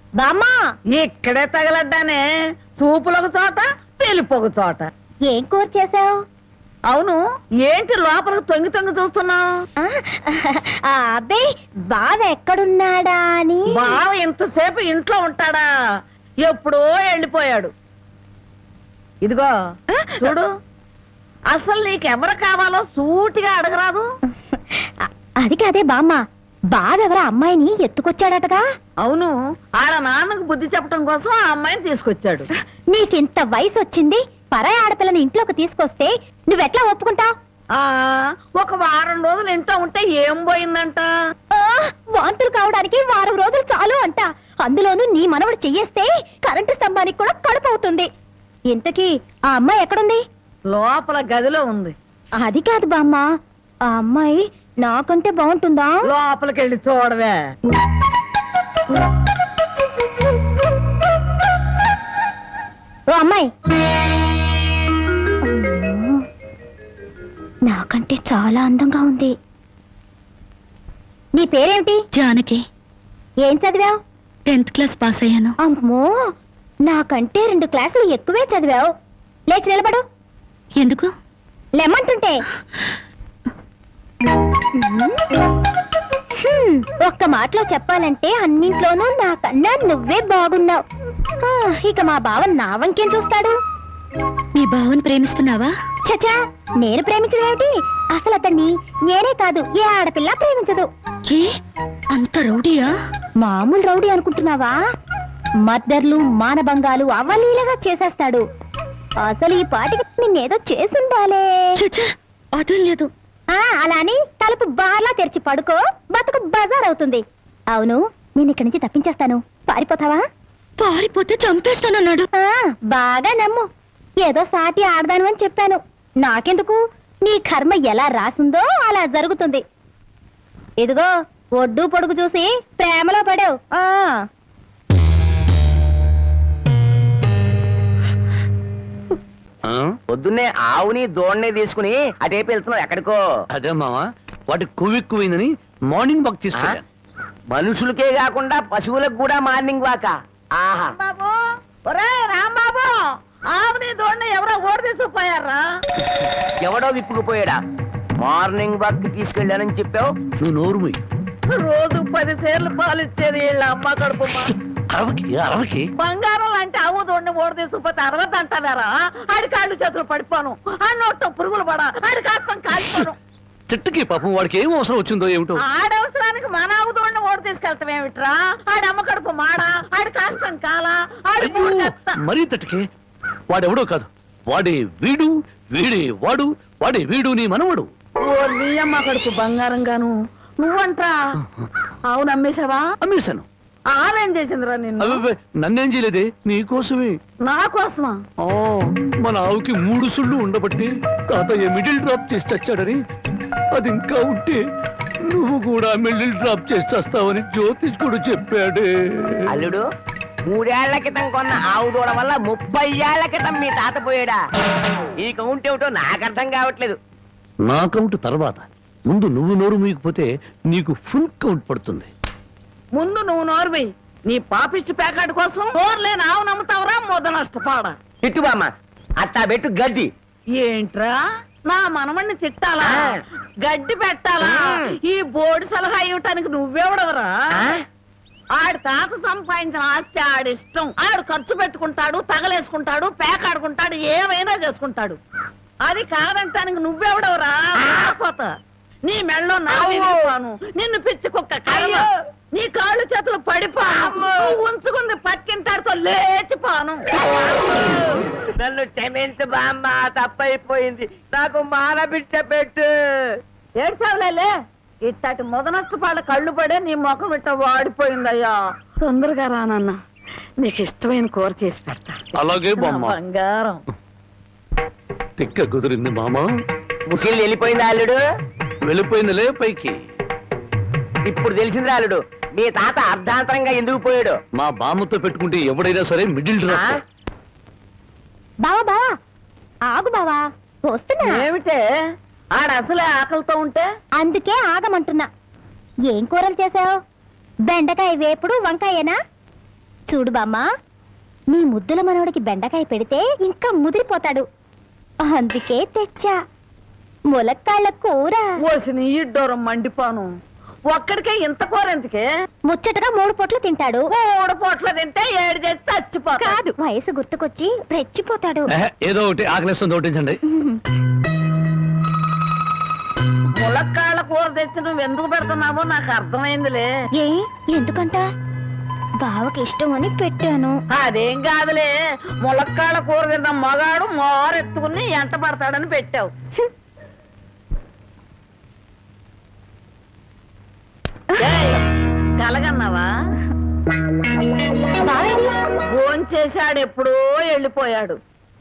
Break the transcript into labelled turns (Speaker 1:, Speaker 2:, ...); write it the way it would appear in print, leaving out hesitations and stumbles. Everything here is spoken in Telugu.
Speaker 1: బామ్మా
Speaker 2: ఇక్కడే తగలడ్డానే, సూపులొక చోట పెళ్లిపోక చోట.
Speaker 1: ఏం కూర చేసావు?
Speaker 2: అవును, ఏంటి లోపలికి తొంగి తొంగి చూస్తున్నావు?
Speaker 1: అబ్బే బావ ఎక్కడున్నాడా అని.
Speaker 2: బావ ఇంతసేపు ఇంట్లో ఉంటాడా? ఎప్పుడో వెళ్ళిపోయాడు. ఇదిగో చూడు, అసలు నీకెవరు కావాలో సూటిగా అడగరాదు.
Speaker 1: అది కాదే బామ్మ, బావెవరా అమ్మాయిని ఎత్తుకొచ్చాడటగా?
Speaker 2: అవును, ఆడ నాన్నకు బుద్ధి చెప్పడం కోసం ఆ అమ్మాయిని తీసుకొచ్చాడు.
Speaker 1: నీకింత వయసు వచ్చింది, పరాయి ఆడపిల్లని ఇంట్లోకి తీసుకొస్తే నువ్వెట్లా ఒప్పుకుంటావు?
Speaker 2: ఒక వారం రోజులు ఇంట్లో ఉంటే ఏం పోయిందంట?
Speaker 1: వాంతులు కావడానికి వారం రోజులు చాలు అంట. అందులోనూ నీ మనవడు చెయ్యేస్తే కరెంటు స్తంభానికి కూడా కడుపు అవుతుంది. ఇంతకీ ఆ అమ్మాయి ఎక్కడుంది?
Speaker 2: లోపల గదిలో ఉంది.
Speaker 1: అది కాదు బామ్మ, ఆ అమ్మాయి నాకంటే బాగుంటుందా?
Speaker 2: లోపలికి వెళ్ళి చూడవే.
Speaker 1: ఓ అమ్మాయి, నాకంటే చాలా అందంగా ఉంది. నీ పేరేమిటి?
Speaker 3: జానకి.
Speaker 1: ఏం చదివావు?
Speaker 3: 10th క్లాస్ పాస్ అయ్యాను.
Speaker 1: అమ్మో, నాకంటే 2 క్లాసులు ఎక్కువే చదివావు. లేచి నిలబడు.
Speaker 3: ఎందుకు?
Speaker 1: లెమ్మంటుంటే. ఒక్క మాటలో చెప్పాలంటే అన్నింట్లోనూ నాకన్నా నువ్వే బాగున్నావు. ఇక మా బావ నా వంకేం చూస్తాడు?
Speaker 3: మీ బావని ప్రేమిస్తున్నావా?
Speaker 1: చచా, నేను ప్రేమించడం ఏమిటి? అసలు అతన్ని నేనే కాదు, ఏ ఆడపిల్ల ప్రేమించదు.
Speaker 3: ఏ అంత రౌడీయా?
Speaker 1: మామూలు రౌడీ అనుకుంటున్నావా? మద్దర్లు మానభంగాలు అవలీలగా చేసేస్తాడు. అసలు ఈ పాటికి నిన్నేదో చేసుండాలే.
Speaker 3: అదేం లేదు.
Speaker 1: అలా అని తలుపు బార్లా తెరిచి పడుకో, బతుకు బజార్ అవుతుంది. అవును, నేను ఇక్కడి నుంచి తప్పించేస్తాను. పారిపోతావా?
Speaker 3: పారిపోతే చంపేస్తానన్నాడు.
Speaker 1: బాగా నమ్ము. ఏదో సాటి ఆడదాను అని చెప్పాను. నాకెందుకు, నీ కర్మ ఎలా రాసిందో అలా జరుగుతుంది. ఇదిగో ఒడ్డు పొడుగు చూసి ప్రేమలో పడావు.
Speaker 4: పొద్దున్నే ఆవుని దోణ్ణి తీసుకుని అటేపు వెళ్తున్నావు ఎక్కడికో?
Speaker 5: అదే మావా, వాటి కొవ్వెక్కువైందని మార్నింగ్ వాక్ తీసుకెళ్ళా.
Speaker 4: మనుషులకే కాకుండా పశువులకు కూడా మార్నింగ్ వాక. ఆహా
Speaker 2: బాబు, ఒరే రాంబాబు, ఆవుని దోణ్ణి ఎవరో ఓడి తీసుకుపోయారా?
Speaker 4: ఎవడో విప్పుకుపోయాడా? మార్నింగ్ వాక్ తీసుకెళ్ళానని చెప్పావు.
Speaker 5: నువ్వు నోరు మూయి.
Speaker 2: రోజు 10 సేర్లు పాలు ఇచ్చేది వీళ్ళ అమ్మ కడుపు.
Speaker 5: అరవకి
Speaker 2: బంగారం లాంటి ఆవు దోణ్ణి ఓడి తీసుకుపోతే 60 అంటారా? ఆడి కాళ్ళు చేతులు పడిపోను, ఆ నోట్లో పురుగులు పడా, ఆడి కాస్తం కాలిపోను.
Speaker 5: చెట్టుకి పాపం వాడికి ఏం అవసరం వచ్చిందో ఏమిటో.
Speaker 2: ఆడవసరానికి మన ఆవు దోణ్ణి ఓడి తీసుకెళ్తాం ఏమిట్రా? ఆడి అమ్మ కడుపు మాడా, ఆడి కాస్తం కాలా, ఆడి
Speaker 5: మరీ తట్టుకే. వాడెవడో కాదు, వాడే వీడు, వీడే వాడు, వాడే వీడు నీ మనవడు.
Speaker 2: ఓ నీ అమ్మ కడుపు బంగారం గాను. నువ్వంట్రా ఆవును అమ్మేశావా?
Speaker 5: అమ్మేశాను.
Speaker 2: ఆవేం చేసిందిరా నిన్ను?
Speaker 5: నన్నేం చేయలేదే, నీకోసమే.
Speaker 2: నా కోసమా?
Speaker 5: మన ఆవుకి 3 సుళ్ళు ఉండబట్టి తాతయ్య మిడిల్ డ్రాప్ చేసి చచ్చాడని, అది ఇంకా ఉంటే నువ్వు కూడా మిడిల్ డ్రాప్ చేసి చేస్తావని జ్యోతిష్కుడు చెప్పాడే.
Speaker 4: అల్లుడు, 3 ఏళ్ల క్రితం కొన్న ఆవు దూడ వల్ల 30 ఏళ్ల క్రితం మీ తాత పోయాడా? ఈ కౌంట్ ఏమిటో నాకు అర్థం కావట్లేదు.
Speaker 5: నా కౌంట్ తర్వాత, ముందు నువ్వు నోరు మూయకపోతే నీకు ఫుల్ కౌంట్ పడుతుంది.
Speaker 2: ముందు నువ్వు నోరువి. నీ పాపిష్టి ప్యాకెట్ కోసం నోరులేని ఆవు నమ్ముతావరా? మొద నష్టపాడ.
Speaker 4: తిట్టు బామ్మ, అట్టా పెట్టు గడ్డి.
Speaker 2: ఏంట్రా, నా మనమణ్ణి తిట్టాలా, గడ్డి పెట్టాలా? ఈ బోర్డు సలహా ఇవ్వటానికి నువ్వెవడవరా? ఆడి తాత సంపాదించిన ఆస్తి ఆడిష్టం. ఆడు ఖర్చు పెట్టుకుంటాడు, తగలేసుకుంటాడు, పేకాడుకుంటాడు, ఏమైనా చేసుకుంటాడు. అది కాదంటానికి నువ్వెవడవరా? పోతా నీ మెళ్ళో నా విరిగిపోను, నిన్ను పిచ్చి కుక్క కర్మ, నీ కాళ్ళు చేతులు పడిపోను, నువ్వు ఉంచుకుంది పక్కింటాడుతో లేచిపోను.
Speaker 4: నన్ను క్షమించు బామ్మ, తప్పైపోయింది. నాకు మానబిడ్డ పెట్టు.
Speaker 2: ఏడ్సావులే, ఇట్టటి మొద నష్టపాళ్ళ కళ్ళు పడే నీ ముఖం ఇట్ట వాడిపోయిందయ్యా. తొందరగా రానన్న, నీకు ఇష్టమైన కూర చేసి పెడతా.
Speaker 5: అలాగే బామ్మ.
Speaker 2: బంగారం
Speaker 5: తిక్క కుదిరింది మామ.
Speaker 4: ముసలి వెళ్ళిపోయింది అల్లుడు.
Speaker 5: వెళ్ళిపోయిందిలే పైకి.
Speaker 4: ఇప్పుడు తెలిసింది అల్లుడు, మీ తాత అర్ధాంతరంగా ఎందుకు పోయాడు.
Speaker 5: మా బామ్మతో పెట్టుకుంటే ఎవడైనా సరే మిడిల్ డ్రాప్.
Speaker 1: బావా బావా, ఆగు బావా, వస్తున్నా.
Speaker 2: ఏమిటే ఆడ అసలే ఆకలితో ఉంటే?
Speaker 1: అందుకే ఆగమంటున్నా. ఏం కూరలు చేసావు? బెండకాయ వేపుడు, వంకాయేనా? చూడు బామ్మా, నీ ముద్దుల మనవడికి బెండకాయ పెడితే ఇంకా ముదిరిపోతాడు. అందుకే తెచ్చా ములక్కాళ్ళ కూర.
Speaker 2: ఓసిన ఇడ్డోరం మండిపోను. ఒక్కడికే ఇంత కూర ఎందుకే?
Speaker 1: ముచ్చటగా 3 పూట్లు తింటాడు.
Speaker 2: 3 పూట్ల తింటే 7 చేసి చచ్చిపోతాడు.
Speaker 1: కాదు, వయసు గుర్తుకొచ్చి రెచ్చిపోతాడు.
Speaker 5: ఏదో ఒకటి ఆకలిస్తుంది ఒకటించండి.
Speaker 2: ములక్కాళ్ళ కూర తెచ్చి నువ్వు ఎందుకు పెడుతున్నావో నాకు అర్థమైందిలే.
Speaker 1: ఏ ఎందుకంట? బావకి ఇష్టం అని పెట్టాను.
Speaker 2: అదేం కాదులే, ములక్కాళ్ళ కూర తిన్న మగాడు మోరెత్తుకుని ఎంట పడతాడని పెట్టావు. ఏయ్, కలగన్నావా?
Speaker 1: బావేది?
Speaker 2: భోంచేశాడు, ఎప్పుడో వెళ్ళిపోయాడు.